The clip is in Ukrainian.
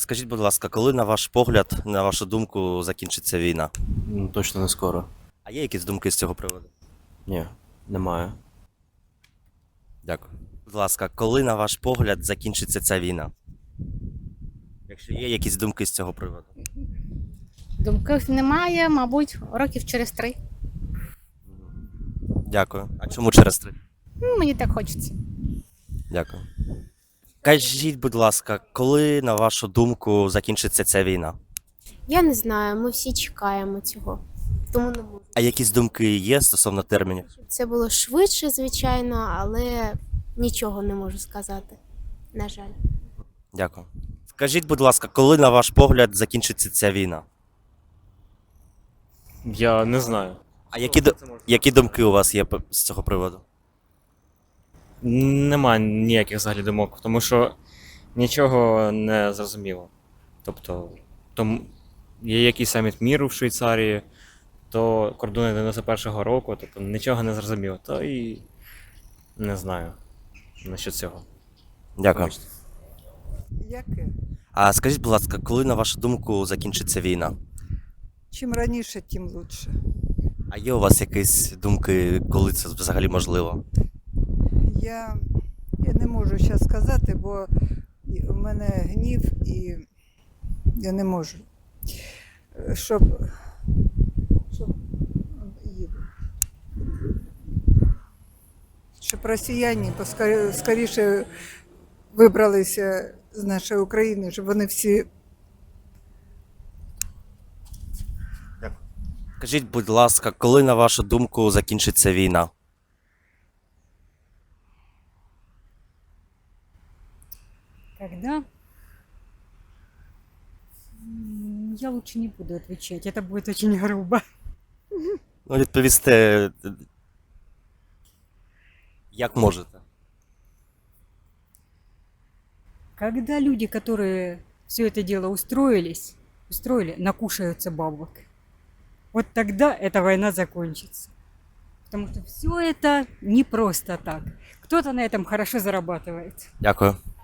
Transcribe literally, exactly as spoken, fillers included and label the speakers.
Speaker 1: Скажіть, будь ласка, коли, на ваш погляд, на вашу думку, закінчиться війна?
Speaker 2: Ну, точно не скоро.
Speaker 1: А є якісь думки з цього приводу?
Speaker 2: Ні, немає.
Speaker 1: Дякую. Будь ласка, коли, на ваш погляд, закінчиться ця війна? Якщо є якісь думки з цього приводу?
Speaker 3: Думків немає, мабуть, років через три.
Speaker 1: Дякую. А чому через три?
Speaker 3: Ну, мені так хочеться.
Speaker 1: Дякую. Кажіть, будь ласка, коли, на вашу думку, закінчиться ця війна?
Speaker 4: Я не знаю, ми всі чекаємо цього. Тому не можу.
Speaker 1: А якісь думки є стосовно термінів?
Speaker 4: Щоб це було швидше, звичайно, але нічого не можу сказати. На жаль.
Speaker 1: Дякую. Скажіть, будь ласка, коли, на ваш погляд, закінчиться ця війна?
Speaker 5: Я не знаю.
Speaker 1: А які, ду- які думки у вас є п- з цього приводу?
Speaker 5: Нема ніяких взагалі думок, тому що нічого не зрозуміло. Тобто, там є якийсь саміт міру в Швейцарії, то кордони дев'яносто першого року, тобто нічого не зрозуміло. То і не знаю насчет цього.
Speaker 1: Дякую.
Speaker 5: Вибачте.
Speaker 6: Яке?
Speaker 1: А скажіть, будь ласка, коли, на вашу думку, закінчиться війна?
Speaker 6: Чим раніше, тим лучше.
Speaker 1: А є у вас якісь думки, коли це взагалі можливо?
Speaker 6: Я, я не можу зараз сказати, бо і- у мене гнів і я не можу. Е, Щоб, щоб, їду. Щоб росіяни поскорі- скоріше вибралися з нашої України, щоб вони всі
Speaker 1: Скажіть, будь ласка, коли, на вашу думку, закінчиться війна?
Speaker 7: Когда? М, Я лучше не буду отвечать, это будет очень грубо.
Speaker 1: Ну, відповісти, е, як можете.
Speaker 7: Когда люди, которые все это дело устроились, устроили, накушаются бабок, вот тогда эта война закончится. Потому что все это не просто так. Кто-то на этом хорошо зарабатывает.
Speaker 1: Дякую.